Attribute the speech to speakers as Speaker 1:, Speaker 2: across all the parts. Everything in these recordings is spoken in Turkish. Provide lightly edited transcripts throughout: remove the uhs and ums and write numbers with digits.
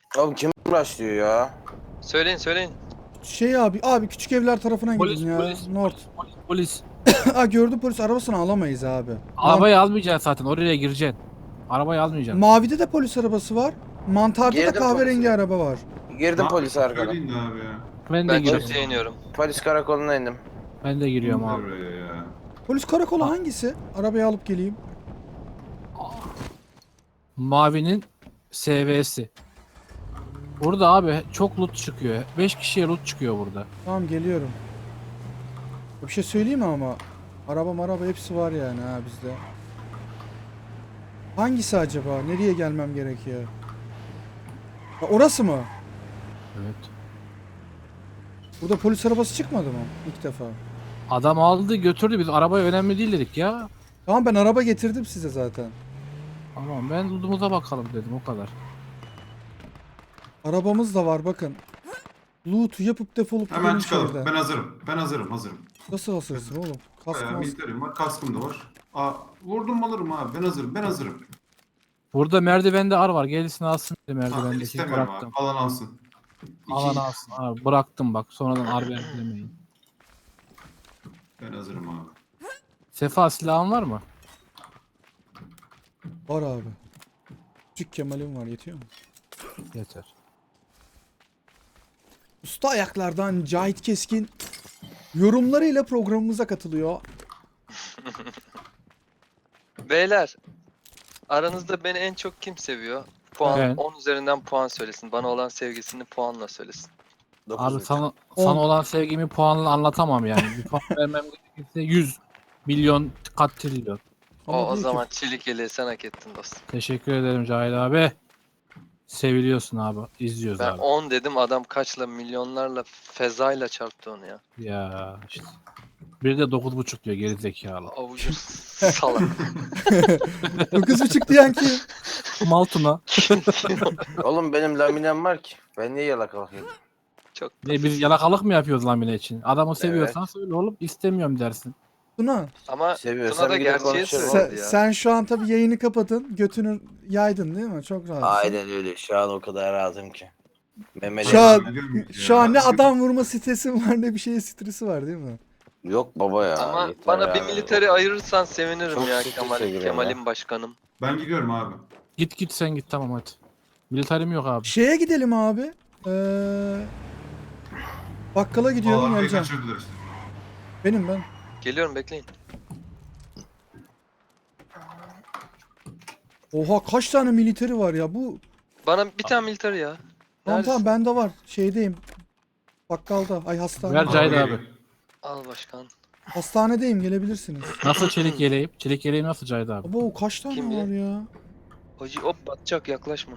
Speaker 1: Oğlum kim başlıyor ya?
Speaker 2: Söyleyin.
Speaker 3: Şey abi küçük evler tarafına gidin ya. North.
Speaker 4: Polis.
Speaker 3: Aa gördüm polis arabasını alamayız abi.
Speaker 4: Arabayı almayacaksın zaten, oraya gireceksin. Arabayı almayacaksın.
Speaker 3: Mavide de polis arabası var. Mantarda da
Speaker 1: Girdim
Speaker 3: kahverengi
Speaker 1: polise.
Speaker 3: araba var.
Speaker 1: Girdim polis arkadan.
Speaker 5: Söyleyin de abi ya.
Speaker 4: Ben de
Speaker 2: Ben
Speaker 4: giriyorum.
Speaker 2: çiftliğe iniyorum.
Speaker 1: Polis karakoluna indim.
Speaker 4: Ben de giriyorum abi.
Speaker 5: Oraya ya.
Speaker 3: Polis karakolu hangisi? Arabayı alıp geleyim.
Speaker 4: Mavinin SV'si. Burada abi çok loot çıkıyor. 5 kişiye loot çıkıyor burada.
Speaker 3: Tamam geliyorum. Bir şey söyleyeyim mi ama? Araba hepsi var yani ha bizde. Hangisi acaba? Nereye gelmem gerekiyor? Ha, orası mı?
Speaker 4: Evet.
Speaker 3: Burada polis arabası çıkmadı mı? İlk defa.
Speaker 4: Adam aldı götürdü, biz arabaya önemli değil dedik ya.
Speaker 3: Tamam ben araba getirdim size zaten.
Speaker 4: Tamam, ben loot'umuza bakalım dedim, o kadar.
Speaker 3: Arabamız da var bakın. Loot'u yapıp defolup
Speaker 5: Hemen
Speaker 3: gidelim
Speaker 5: çıkalım.
Speaker 3: şehirden.
Speaker 5: Ben hazırım. Ben hazırım.
Speaker 3: Nasıl hasırsın oğlum? Kask
Speaker 5: Bayağı
Speaker 3: mask.
Speaker 5: militerim var. Kaskım da var. Aa, vurdum alırım abi. Ben hazırım.
Speaker 4: Burada merdivende ar var, gelsin alsın dedi
Speaker 5: Ha,
Speaker 4: merdivendeki,
Speaker 5: istemiyorum
Speaker 4: bıraktım.
Speaker 5: abi. Alan alsın.
Speaker 4: Alan alsın abi, bıraktım bak, sonradan ar vermeyin.
Speaker 5: Ben hazırım abi.
Speaker 4: Sefa, silahın var mı?
Speaker 3: Var abi. Küçük Kemal'im var yetiyor mu?
Speaker 4: Yeter.
Speaker 3: Usta ayaklardan Cahit Keskin yorumlarıyla programımıza katılıyor.
Speaker 2: Beyler. Aranızda beni en çok kim seviyor? Puan
Speaker 4: Ben.
Speaker 2: 10 üzerinden puan söylesin. Bana olan sevgisini puanla söylesin.
Speaker 4: Abi sana
Speaker 3: On.
Speaker 4: olan sevgimi puanla anlatamam yani. Bir puan vermem gerekirse 100 milyon kat trilyon.
Speaker 3: Ama
Speaker 2: O
Speaker 3: diyor ki,
Speaker 2: zaman çelik yeleği sen hak ettin dostum.
Speaker 4: Teşekkür ederim Cahil abi. Seviliyorsun abi. İzliyoruz
Speaker 2: Ben
Speaker 4: abi.
Speaker 2: 10 dedim, adam kaçla milyonlarla fezayla çarptı onu ya.
Speaker 4: Ya işte. Bir de 9,5 diyor geri zekalı.
Speaker 2: Avucu salak.
Speaker 3: 9,5 diyen kim?
Speaker 4: Maltuna.
Speaker 1: Oğlum benim laminem var ki. Ben niye yalakalık yedim?
Speaker 2: Çok
Speaker 4: Ne, biz yalakalık mı yapıyoruz lamine için? Adamı seviyorsan söyle oğlum, istemiyorum dersin.
Speaker 3: Tuna
Speaker 2: ama
Speaker 1: Seviyorsan
Speaker 2: Tuna da
Speaker 1: bir de
Speaker 2: gerçeği
Speaker 1: konuşalım.
Speaker 2: söyledi
Speaker 3: sen,
Speaker 2: ya.
Speaker 3: sen şu an tabii yayını kapatın. Götünü yaydın değil mi? Çok rahatsın.
Speaker 1: Aynen öyle. Şu an o kadar rahatım ki. Mehmet
Speaker 3: Şu an,
Speaker 5: Biliyor muyuz
Speaker 3: şu
Speaker 5: ya?
Speaker 3: an ne adam vurma stresi var ne bir şeye stresi var değil mi?
Speaker 1: Yok baba ya.
Speaker 2: Ama
Speaker 1: yeter
Speaker 2: bana bir
Speaker 1: ya.
Speaker 2: militeri ayırırsan sevinirim
Speaker 1: Çok
Speaker 2: ya
Speaker 1: sıkıntı giriyor
Speaker 2: Kemal'im başkanım.
Speaker 5: Ben gidiyorum abi.
Speaker 4: Git sen git, tamam hadi. Militarim yok abi.
Speaker 3: Şeye gidelim abi. Bakkala gidiyorum
Speaker 5: Vallahi
Speaker 3: geleceğim.
Speaker 5: kaçırdılar işte.
Speaker 3: Benim ben.
Speaker 2: Geliyorum, bekleyin.
Speaker 3: Oha kaç tane militeri var ya bu.
Speaker 2: Bana bir tane militeri ya.
Speaker 3: Tamam
Speaker 2: Neredesin?
Speaker 3: bende var. Şeydeyim. Bakkalda. Ay hastane.
Speaker 4: Ver Cahit
Speaker 5: Geliyor.
Speaker 4: abi.
Speaker 2: Al başkan.
Speaker 3: Hastanedeyim gelebilirsiniz.
Speaker 4: Nasıl çelik yeleğim? Çelik yeleğim nasıl Cahit abi?
Speaker 3: Abo kaç tane
Speaker 2: Kim
Speaker 3: var
Speaker 2: bilir?
Speaker 3: ya?
Speaker 2: Hacı hop batacak, yaklaşma.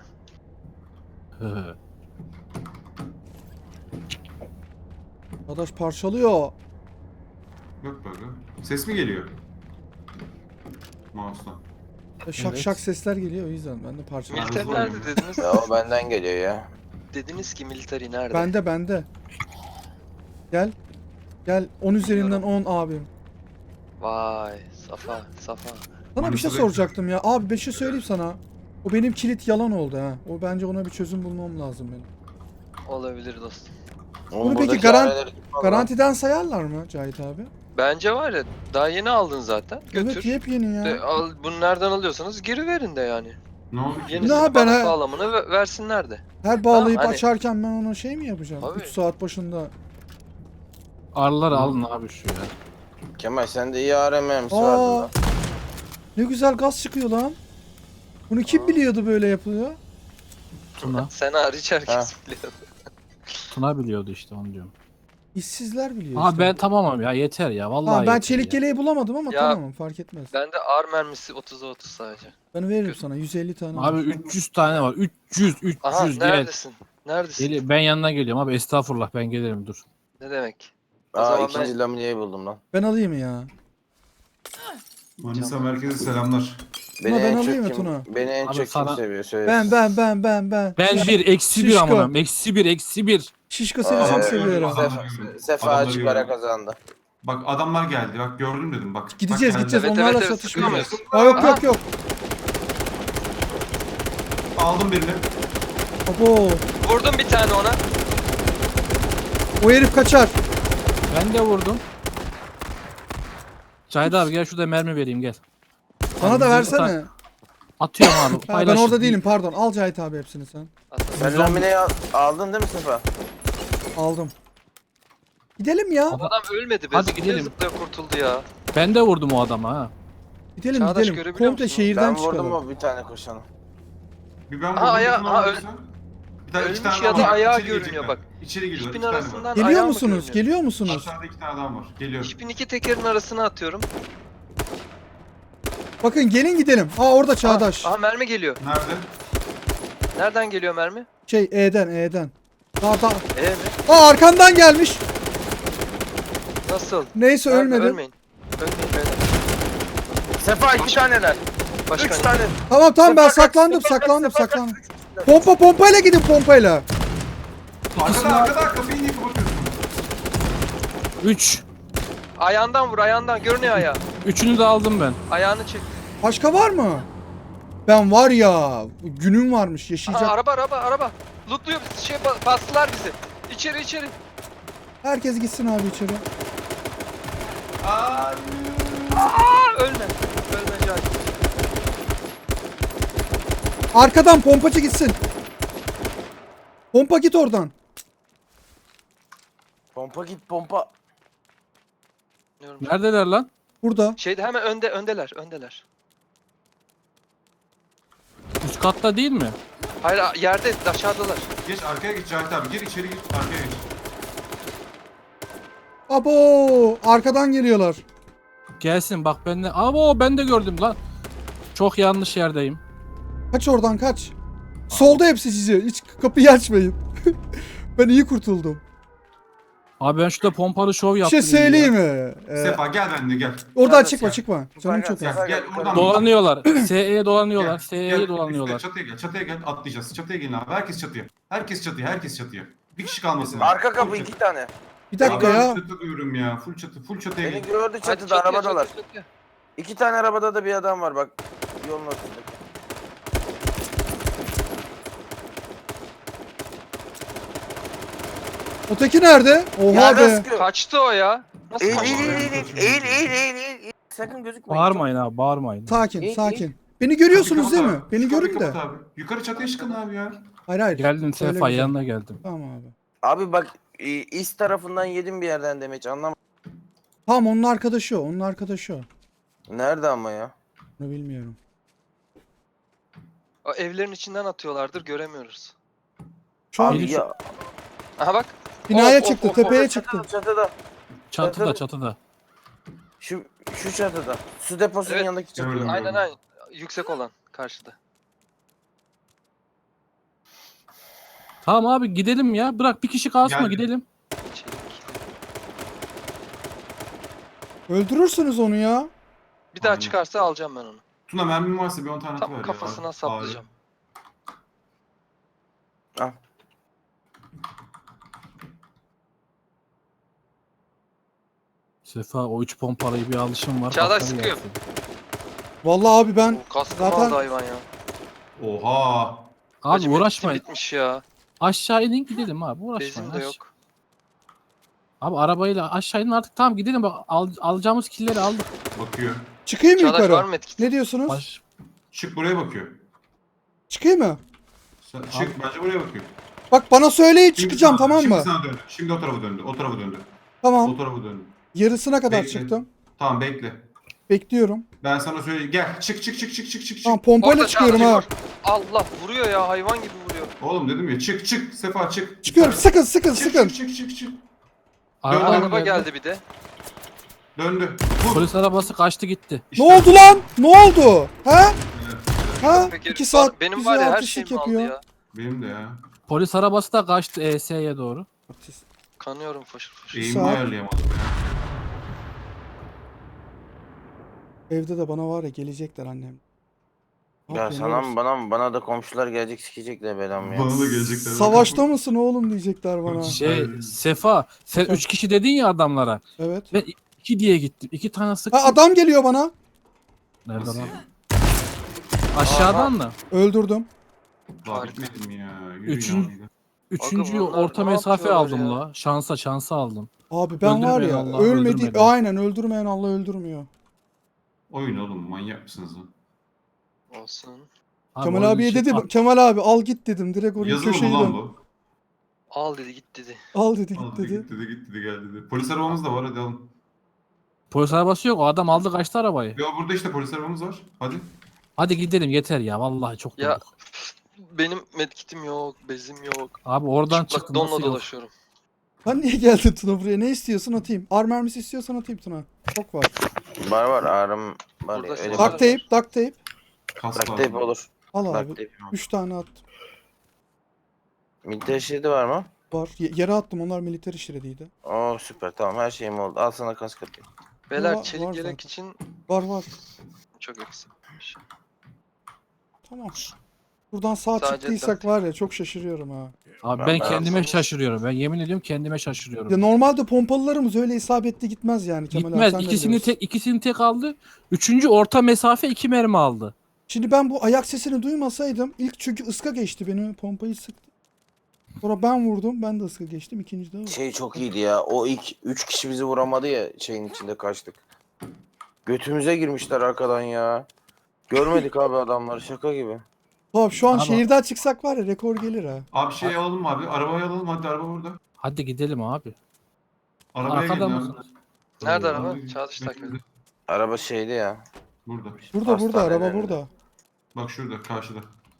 Speaker 3: Arkadaş parçalıyor.
Speaker 5: Yok böyle. Ses mi geliyor? Mouse'dan.
Speaker 3: Şak
Speaker 4: Evet.
Speaker 3: şak sesler geliyor o yüzden ben de parçalıyorum.
Speaker 2: Militer
Speaker 5: hızlı
Speaker 2: nerede
Speaker 5: oynuyor.
Speaker 2: dediniz?
Speaker 1: Ya o benden geliyor ya.
Speaker 2: Dediniz ki militeri nerede?
Speaker 3: Bende. Gel. Gel 10 üzerinden 10 abim.
Speaker 2: Vay Safa.
Speaker 3: Sana bir
Speaker 5: Manisi
Speaker 3: şey soracaktım ya. Abi bir şey söyleyeyim sana. O benim kilit yalan oldu ha. O bence ona bir çözüm bulmam lazım benim.
Speaker 2: Olabilir dostum.
Speaker 1: Oğlum
Speaker 3: Bunu peki
Speaker 1: buradaki aileleri tutmaz lan.
Speaker 3: Garantiden sayarlar mı Cahit abi?
Speaker 2: Bence var ya, daha yeni aldın zaten. Götür.
Speaker 3: Evet yepyeni ya.
Speaker 2: Bunu nereden alıyorsanız geri verin de yani.
Speaker 5: Ne oldu ki?
Speaker 2: Yenisini
Speaker 3: Ne, ben
Speaker 2: bana
Speaker 3: ha-
Speaker 2: sağlamını versinler de.
Speaker 3: Her bağlayıp
Speaker 2: Tamam, hani-
Speaker 3: açarken ben ona şey mi yapacağım?
Speaker 2: Tabii.
Speaker 3: 3 saat başında.
Speaker 4: Arıları alın abi şu ya.
Speaker 1: Kemal sende iyi ARM'si vardı
Speaker 3: Aa,
Speaker 1: lan.
Speaker 3: ne güzel gaz çıkıyor lan. Bunu kim biliyordu böyle yapılıyor?
Speaker 4: Tuna.
Speaker 2: Sen hariç herkes biliyor.
Speaker 4: Tuna biliyordu işte, onu diyorum.
Speaker 3: İşsizler biliyor
Speaker 4: Abi
Speaker 3: işte.
Speaker 4: ben tamamım ya, yeter ya vallahi
Speaker 3: Tamam, ben
Speaker 4: yeter
Speaker 3: çelik
Speaker 4: ya.
Speaker 3: yeleği bulamadım ama
Speaker 2: Ya-
Speaker 3: tamam fark etmez.
Speaker 2: Bende ar mermisi 30'a 30 sadece.
Speaker 3: Ben veririm sana 150 tane.
Speaker 4: Abi
Speaker 3: var.
Speaker 4: 300 tane var. 300
Speaker 2: Aha,
Speaker 4: gel.
Speaker 2: neredesin? Neredesin?
Speaker 4: Ben yanına geliyorum abi, estağfurullah, ben gelirim, dur.
Speaker 2: Ne demek? O
Speaker 1: Aa
Speaker 2: zaman
Speaker 1: ikinci lamineyi buldum lan.
Speaker 3: Ben alayım ya.
Speaker 5: Manisa merkeze selamlar.
Speaker 1: Beni
Speaker 3: ben
Speaker 1: en
Speaker 3: alayım mı
Speaker 1: çok kim,
Speaker 3: Tuna?
Speaker 1: beni en
Speaker 4: Abi
Speaker 1: çok
Speaker 4: sana-
Speaker 1: kim seviyor söyle.
Speaker 3: Ben.
Speaker 4: Ben
Speaker 3: Şiş-
Speaker 4: bir eksi bir
Speaker 3: Şişko.
Speaker 4: amanım, eksi bir.
Speaker 3: Şişko seni
Speaker 1: Aa,
Speaker 3: çok
Speaker 1: evet.
Speaker 3: seviyorum.
Speaker 1: Sefa
Speaker 5: Adamları
Speaker 1: açık para
Speaker 5: görüyorum.
Speaker 1: kazandı.
Speaker 5: Bak adamlar geldi. Bak gördüm dedim bak.
Speaker 3: Gideceğiz
Speaker 5: Bak,
Speaker 3: gideceğiz
Speaker 2: Evet,
Speaker 3: onlarla
Speaker 2: evet,
Speaker 3: çatışmıyor.
Speaker 2: sıkıyoruz.
Speaker 3: Aa, yok
Speaker 2: Aha.
Speaker 3: yok yok.
Speaker 5: Aldım birini.
Speaker 3: Abo.
Speaker 2: Vurdum bir tane ona.
Speaker 3: O herif kaçar.
Speaker 4: Ben de vurdum. Cahit abi gel şurada mermi vereyim gel.
Speaker 3: Bana da
Speaker 4: Abi,
Speaker 3: versene.
Speaker 4: Atıyorum abi.
Speaker 3: Ha, ben
Speaker 4: paylaş.
Speaker 3: orada değilim pardon. Al Cahit abi hepsini sen.
Speaker 1: Sen lamineyi aldın değil mi Sefa?
Speaker 3: Aldım. Gidelim ya.
Speaker 2: Adam ölmedi be.
Speaker 4: Hadi
Speaker 2: Zıplaya
Speaker 4: gidelim.
Speaker 2: zıplaya kurtuldu ya.
Speaker 4: Ben de vurdum o adama ha.
Speaker 3: Gidelim
Speaker 2: Çağdaş
Speaker 3: gidelim.
Speaker 2: görebiliyor
Speaker 3: Komple
Speaker 2: musun?
Speaker 3: şehirden
Speaker 1: Ben vurdum
Speaker 3: çıkalım.
Speaker 1: o bir tane koşanı.
Speaker 5: Bir ben
Speaker 2: Aha,
Speaker 5: vurdum.
Speaker 2: ayağı-
Speaker 5: bir
Speaker 2: aha,
Speaker 5: vurdum sen. Bir tane, iki
Speaker 2: ölmüş
Speaker 5: tane
Speaker 2: ya
Speaker 5: adam
Speaker 2: da
Speaker 5: var.
Speaker 2: ayağı
Speaker 5: İçeri
Speaker 2: görünüyor
Speaker 5: girecekler.
Speaker 2: bak.
Speaker 5: İçeri giriyorlar.
Speaker 2: İpin
Speaker 5: iki tane var.
Speaker 2: arasından
Speaker 3: Geliyor
Speaker 2: ayağı mı
Speaker 3: musunuz?
Speaker 2: görünüyor?
Speaker 3: Geliyor musunuz?
Speaker 5: Aşağıda iki tane adam var. Geliyor.
Speaker 2: İpin iki tekerin arasına atıyorum.
Speaker 3: Bakın gelin gidelim. Aa orada Çağdaş.
Speaker 2: Aha mermi geliyor.
Speaker 5: Nerede?
Speaker 2: Nereden geliyor mermi?
Speaker 3: Şey E'den. Daha.
Speaker 2: Mi?
Speaker 3: Aa arkandan gelmiş.
Speaker 2: Nasıl?
Speaker 3: Neyse
Speaker 2: Nerede?
Speaker 3: ölmedi.
Speaker 2: Ölmeyin. Ölmeyin beyler.
Speaker 1: Sefa 2 taneler. 3
Speaker 2: Başkan.
Speaker 1: tane.
Speaker 3: Tamam ben
Speaker 1: Sefa kaç,
Speaker 3: saklandım
Speaker 1: Sefa kaç,
Speaker 3: saklandım
Speaker 1: Sefa kaç?
Speaker 3: saklandım. Pompayla gidin pompayla.
Speaker 5: Arkada kapıyı niye kapatıyorsun?
Speaker 4: 3.
Speaker 2: Ayağından vur ayağından. Görünüyor ayağı.
Speaker 4: Üçünü de aldım ben.
Speaker 2: Ayağını çek.
Speaker 3: Başka var mı? Ben var ya günüm varmış
Speaker 2: Aha,
Speaker 3: yaşayacak.
Speaker 2: araba. Lootluyor bizi. Bastılar bizi. İçeri.
Speaker 3: Herkes gitsin abi içeri.
Speaker 2: Aa, ölme. Ölme Cahit.
Speaker 3: Arkadan pompacı gitsin. Pompa git oradan.
Speaker 1: Pompa git pompa.
Speaker 2: Diyorum.
Speaker 4: Neredeler lan?
Speaker 3: Burada.
Speaker 2: Şeyde hemen öndeler.
Speaker 4: Üst katta değil mi?
Speaker 2: Hayır yerde aşağıdalar.
Speaker 5: Geç arkaya geç Cahit abi. Gir içeri gir. Arkaya geç.
Speaker 3: Abo arkadan geliyorlar.
Speaker 4: Gelsin bak ben de. Abo ben de gördüm lan. Çok yanlış yerdeyim.
Speaker 3: Kaç oradan kaç. Solda hepsi sizi. Hiç kapıyı açmayın. Ben iyi kurtuldum.
Speaker 4: Abi ben şurada pompalı şov
Speaker 3: Bir
Speaker 4: yaptım.
Speaker 3: şey söyleyeyim mi?
Speaker 5: Sefa gel benimle gel.
Speaker 3: Oradan
Speaker 1: Nerede
Speaker 3: çıkma
Speaker 1: sen?
Speaker 3: çıkma. Canım çok
Speaker 1: Gel,
Speaker 3: az.
Speaker 1: gel.
Speaker 5: Gel oradan.
Speaker 4: Dolanıyorlar. SE'ye dolanıyorlar.
Speaker 5: Gel,
Speaker 4: SE'ye
Speaker 5: gel,
Speaker 4: dolanıyorlar.
Speaker 5: Çatıya gel atlayacağız. Çatıya gelin abi. Herkes çatıya. Bir kişi kalmasın.
Speaker 1: Arka kapı 2 tane.
Speaker 3: Bir dakika
Speaker 5: Abi,
Speaker 3: ya.
Speaker 5: Çatı diyorum ya. Full çatıya
Speaker 1: Beni
Speaker 5: gel.
Speaker 1: gördü
Speaker 2: Hadi
Speaker 1: çatıda arabadalar.
Speaker 2: çatıya.
Speaker 1: 2 tane arabada da bir adam var bak. Yolun ortasında.
Speaker 3: Öteki nerede? Oha
Speaker 1: Yerden
Speaker 3: be.
Speaker 1: sıkıyor.
Speaker 2: Kaçtı o ya. Nasıl
Speaker 1: Eğil
Speaker 2: kaçtı?
Speaker 1: eğil. Sakın gözükmeyin.
Speaker 4: Bağırmayın abi bağırmayın.
Speaker 3: Sakin
Speaker 1: İyi,
Speaker 3: sakin. Beni görüyorsunuz
Speaker 5: Kapıyı
Speaker 3: değil mi?
Speaker 5: kapat abi.
Speaker 3: Beni
Speaker 5: Şu kapıyı
Speaker 3: görün de.
Speaker 5: kapat abi. Yukarı çatıya çıkın abi ya.
Speaker 3: Hayır.
Speaker 4: Geldim
Speaker 3: Öyle
Speaker 4: Sefa
Speaker 3: güzel.
Speaker 4: yanına geldim.
Speaker 3: Tamam abi.
Speaker 1: Abi bak İst tarafından yedim bir yerden demek anlamadım.
Speaker 3: Tamam onun arkadaşı o. Onun arkadaşı o.
Speaker 1: Nerede ama ya?
Speaker 3: Bunu bilmiyorum.
Speaker 2: O evlerin içinden atıyorlardır göremiyoruz.
Speaker 3: Şu an
Speaker 1: Abi ya.
Speaker 2: Aha bak.
Speaker 3: binaya
Speaker 2: Of,
Speaker 3: çıktı.
Speaker 2: of, of,
Speaker 3: Tepeye
Speaker 2: of.
Speaker 3: çıktı.
Speaker 1: Çatıda.
Speaker 4: Çatıda.
Speaker 1: Şu çatıda. Su deposunun
Speaker 2: Evet.
Speaker 1: yanındaki çatıda.
Speaker 5: Gördüm.
Speaker 2: Aynen. Yüksek olan karşıda.
Speaker 4: Tamam abi gidelim ya. Bırak bir kişi kalsın
Speaker 5: Gel.
Speaker 4: gidelim.
Speaker 2: Çelik.
Speaker 3: Öldürürsünüz onu ya.
Speaker 2: Bir daha
Speaker 5: Aynen.
Speaker 2: çıkarsa alacağım ben onu.
Speaker 5: Tuna mermin varsa bir 10 tane
Speaker 2: Tam
Speaker 5: atıver ya.
Speaker 2: kafasına
Speaker 5: Abi.
Speaker 2: saplayacağım.
Speaker 1: Al.
Speaker 4: Sefa o 3 pompalıyı bir alışım var.
Speaker 2: Çağdaş
Speaker 4: kafayı
Speaker 2: sıkıyor.
Speaker 4: yersin.
Speaker 3: Vallahi abi ben
Speaker 2: O kaskımı
Speaker 3: zaten-
Speaker 2: aldı hayvan ya.
Speaker 5: Oha.
Speaker 4: Abi
Speaker 2: Hacı,
Speaker 4: uğraşmayın.
Speaker 2: bitmiş ya.
Speaker 4: Aşağı inin gidelim abi uğraşmayın.
Speaker 2: Bezim de yok.
Speaker 4: Abi arabayla aşağı inin artık tamam gidelim bak alacağımız killleri aldık.
Speaker 5: Bakıyor.
Speaker 3: çıkayım mı
Speaker 2: Çağdaş var
Speaker 3: yukarı?
Speaker 2: mı etkisi?
Speaker 3: Ne diyorsunuz?
Speaker 4: Baş...
Speaker 5: Çık buraya bakıyor.
Speaker 3: Çıkayım mı?
Speaker 5: Çık bence buraya bakıyor.
Speaker 3: Bak bana söyleyin
Speaker 5: Şimdi
Speaker 3: çıkacağım
Speaker 5: sana-
Speaker 3: tamam
Speaker 5: Şimdi
Speaker 3: mı?
Speaker 5: sana döndü. Şimdi o tarafa döndü. O tarafa döndü.
Speaker 3: Tamam.
Speaker 5: O tarafa döndü.
Speaker 3: Yarısına kadar
Speaker 5: Bekle.
Speaker 3: çıktım.
Speaker 5: Tamam bekle.
Speaker 3: Bekliyorum.
Speaker 5: Ben sana söyleyeyim. Gel. Çık.
Speaker 3: Tamam pompayla
Speaker 2: Orada
Speaker 3: çıkıyorum
Speaker 2: Çağdaş
Speaker 3: ha.
Speaker 2: var. Allah vuruyor ya hayvan gibi vuruyor.
Speaker 5: Oğlum dedim ya çık. Sefa çık.
Speaker 3: Çıkıyorum. Sıkın sıkın
Speaker 5: Çık,
Speaker 3: sıkın.
Speaker 5: çık.
Speaker 4: Araba,
Speaker 5: Dön,
Speaker 2: Araba geldi bir de.
Speaker 5: Döndü. Vur.
Speaker 4: Polis arabası kaçtı gitti.
Speaker 5: İşte.
Speaker 3: Ne oldu lan? Ne oldu? Ha?
Speaker 5: Evet.
Speaker 3: Ha?
Speaker 2: Peki,
Speaker 3: 2 saat
Speaker 2: benim
Speaker 3: bize
Speaker 2: var ya her
Speaker 3: artistlik
Speaker 2: şeyimi aldı
Speaker 3: yapıyor.
Speaker 2: ya.
Speaker 5: Benim de ya.
Speaker 4: Polis arabası da kaçtı ES'ye doğru.
Speaker 3: Artist.
Speaker 2: Kanıyorum foşur foşur.
Speaker 5: Eğimimi
Speaker 3: Saat.
Speaker 5: ayarlayamadım ya.
Speaker 3: Evde de bana var ya gelecekler annem. Ne
Speaker 1: Ya
Speaker 3: yapıyorsun
Speaker 1: sana
Speaker 3: oğlum?
Speaker 1: mı bana da komşular gelecek sikecekler belamı ya.
Speaker 5: Bana da gelecekler.
Speaker 3: Savaşta mısın oğlum diyecekler bana.
Speaker 5: Aynen.
Speaker 4: Sefa sen 3 kişi dedin ya adamlara.
Speaker 3: Evet.
Speaker 4: Ben 2 diye gittim. 2 tane sıktım.
Speaker 3: Ha adam geliyor bana.
Speaker 4: Nerede
Speaker 5: Nasıl
Speaker 4: lan?
Speaker 5: ya?
Speaker 4: Aşağıdan mı?
Speaker 3: Öldürdüm.
Speaker 5: Daha
Speaker 2: Harika.
Speaker 5: bitmedim ya. Yürü
Speaker 4: Üçün-
Speaker 5: ya.
Speaker 4: Üçüncüyü
Speaker 2: bunlar
Speaker 4: orta
Speaker 2: ne
Speaker 4: mesafe
Speaker 2: yapıyorlar
Speaker 4: aldım
Speaker 2: ya?
Speaker 4: la. Şansa aldım.
Speaker 3: Abi ben var
Speaker 4: Öldürmeyen
Speaker 3: ya
Speaker 4: Allah
Speaker 3: ölmedi.
Speaker 4: öldürmedi.
Speaker 3: Aynen öldürmeyen Allah öldürmüyor.
Speaker 5: Oyun oğlum manyak mısınız lan?
Speaker 2: Olsun.
Speaker 4: Abi
Speaker 3: Kemal
Speaker 4: oyun
Speaker 3: abiye
Speaker 4: için-
Speaker 3: dedim.
Speaker 4: Ah,
Speaker 3: Kemal abi al git dedim. Direkt oraya
Speaker 5: Yazılı mı
Speaker 3: köşeyi
Speaker 5: lan
Speaker 3: dön.
Speaker 5: bu?
Speaker 2: Al dedi git dedi.
Speaker 3: Al dedi
Speaker 5: Al
Speaker 3: git
Speaker 5: dedi
Speaker 3: dedi.
Speaker 5: git dedi git dedi gel dedi. Polis arabamız da var hadi alın.
Speaker 4: Polis arabası yok. O adam aldı kaçtı arabayı.
Speaker 5: Ya burada işte polis arabamız var. Hadi.
Speaker 4: Hadi gidelim yeter ya. Vallahi çok
Speaker 2: Ya
Speaker 4: durduk.
Speaker 2: benim medkitim yok, bezim yok.
Speaker 4: Abi oradan
Speaker 2: Çıplak
Speaker 4: çıktı
Speaker 2: donla
Speaker 4: nasıl yok?
Speaker 2: dolaşıyorum.
Speaker 3: Lan niye geldin Tuna buraya? Ne istiyorsun atayım. Ar mermisi istiyorsan atayım Tuna. Çok var.
Speaker 1: Var ağrım var
Speaker 2: Burada
Speaker 1: ya.
Speaker 2: şey
Speaker 1: Öyle
Speaker 2: var.
Speaker 3: Duct tape, duct tape.
Speaker 5: Kas
Speaker 1: Duct
Speaker 5: lazım.
Speaker 1: tape olur.
Speaker 3: Al
Speaker 1: Duct
Speaker 3: abi.
Speaker 1: tape.
Speaker 3: 3 tane attım.
Speaker 1: Militer şeridi var mı?
Speaker 3: Var. Yere attım. Onlar militer şeridiydi.
Speaker 1: Oo süper tamam her şeyim oldu. Al sana kask atayım.
Speaker 2: Beyler
Speaker 3: var
Speaker 2: çelik
Speaker 3: zaten.
Speaker 2: yelek için
Speaker 3: Var.
Speaker 2: çok eksikmiş.
Speaker 3: Tamam. Buradan sağ
Speaker 2: Sadece
Speaker 3: çıktıysak
Speaker 2: duct
Speaker 3: var ya çok şaşırıyorum ha.
Speaker 4: Abi
Speaker 1: Ben
Speaker 4: ben kendime
Speaker 2: yapsam-
Speaker 4: şaşırıyorum. Ben yemin ediyorum kendime şaşırıyorum.
Speaker 3: Ya normalde pompalılarımız öyle isabetli gitmez yani Kemal abi.
Speaker 4: Gitmez.
Speaker 3: sen de biliyorsun.
Speaker 4: İkisini tek aldı. Üçüncü orta mesafe 2 mermi aldı.
Speaker 3: Şimdi ben bu ayak sesini duymasaydım ilk çünkü ıska geçti beni pompayı sıktı. Sonra ben vurdum ben de ıska geçtim ikinci de o.
Speaker 1: Şey çok iyiydi ya. O ilk 3 kişi bizi vuramadı ya şeyin içinde kaçtık. Götümüze girmişler arkadan ya. Görmedik abi adamları şaka gibi.
Speaker 3: Abi şu an
Speaker 4: Ama-
Speaker 3: şehirden çıksak var ya rekor gelir ha.
Speaker 5: Abi şey alalım mı abi? Arabayı alalım hadi araba burada.
Speaker 4: Hadi gidelim abi.
Speaker 5: Arabaya
Speaker 4: Arkada
Speaker 5: gelin abi.
Speaker 4: mısınız?
Speaker 2: Nerede
Speaker 5: Abi,
Speaker 2: araba? Çağdaş takip edin.
Speaker 1: Araba şeydi ya.
Speaker 5: Burada.
Speaker 3: Burada
Speaker 1: Hastanelerinde.
Speaker 3: araba burada.
Speaker 5: Bak şurada karşıda.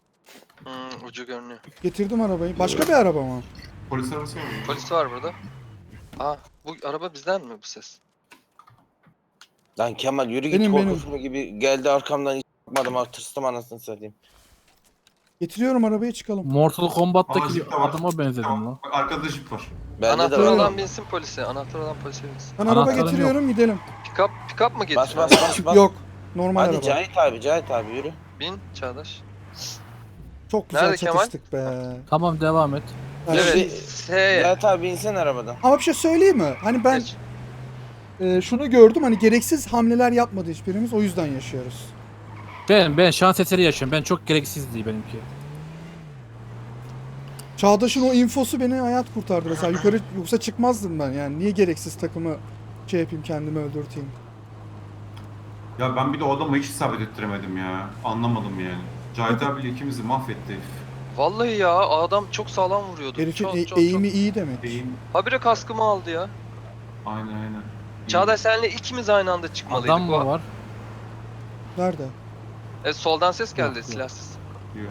Speaker 2: Ucu görünüyor.
Speaker 3: Getirdim arabayı. Başka bir araba mı?
Speaker 5: Polis arabası var mı?
Speaker 2: Polis var burada. Aa bu araba bizden mi bu ses?
Speaker 1: Lan Kemal yürü git
Speaker 3: Benim.
Speaker 1: korkusunu gibi geldi arkamdan hiç bakmadım ha tırstım anasını satayım.
Speaker 3: Getiriyorum arabayı çıkalım.
Speaker 4: Mortal
Speaker 5: Aa,
Speaker 4: Kombat'taki
Speaker 5: jip de var.
Speaker 4: adama benzedim
Speaker 5: Tamam.
Speaker 4: lan.
Speaker 5: Bak arkada jip var.
Speaker 1: Bende de
Speaker 2: Anahtar
Speaker 1: var.
Speaker 2: olan binsin polise. Anahtar olan polise binsin.
Speaker 3: Ben araba
Speaker 4: Anahtarım
Speaker 3: getiriyorum gidelim.
Speaker 2: Pick up mı
Speaker 1: Bas
Speaker 2: getiriyor?
Speaker 1: bas bas.
Speaker 3: Yok. Normal
Speaker 1: Hadi
Speaker 3: araba.
Speaker 1: Cahit abi yürü.
Speaker 2: Bin Çağdaş.
Speaker 3: Çok güzel
Speaker 2: Nerede Kemal?
Speaker 3: çatıştık be.
Speaker 4: Tamam devam et.
Speaker 3: Yani
Speaker 2: Evet.
Speaker 1: Şimdi-
Speaker 2: Hey.
Speaker 1: Cahit abi insen arabadan.
Speaker 3: Ama bir şey söyleyeyim mi? Hani ben
Speaker 2: Geç.
Speaker 3: şunu gördüm hani gereksiz hamleler yapmadı hiçbirimiz o yüzden yaşıyoruz.
Speaker 4: Ben şans eseri yaşıyorum. Ben çok gereksizdi benimki.
Speaker 3: Çağdaş'ın o infosu beni hayat kurtardı mesela yukarı yoksa çıkmazdım ben yani niye gereksiz takımı şey yapayım kendimi öldürteyim.
Speaker 5: Ya ben bir de o adamı hiç isabet ettiremedim ya. Anlamadım yani. Cahit abiyle ikimizi mahvetti.
Speaker 2: Vallahi ya adam çok sağlam vuruyordu.
Speaker 3: Herifin
Speaker 2: Çok
Speaker 3: eğimi iyi demek.
Speaker 5: Beyin.
Speaker 2: Habire kaskımı aldı ya.
Speaker 5: Aynen.
Speaker 2: Çağdaş senle ikimiz aynı anda çıkmalıydık.
Speaker 4: Adam mı var?
Speaker 3: Nerede?
Speaker 2: Soldan ses geldi
Speaker 4: Yok.
Speaker 2: silahsız.
Speaker 5: Yok.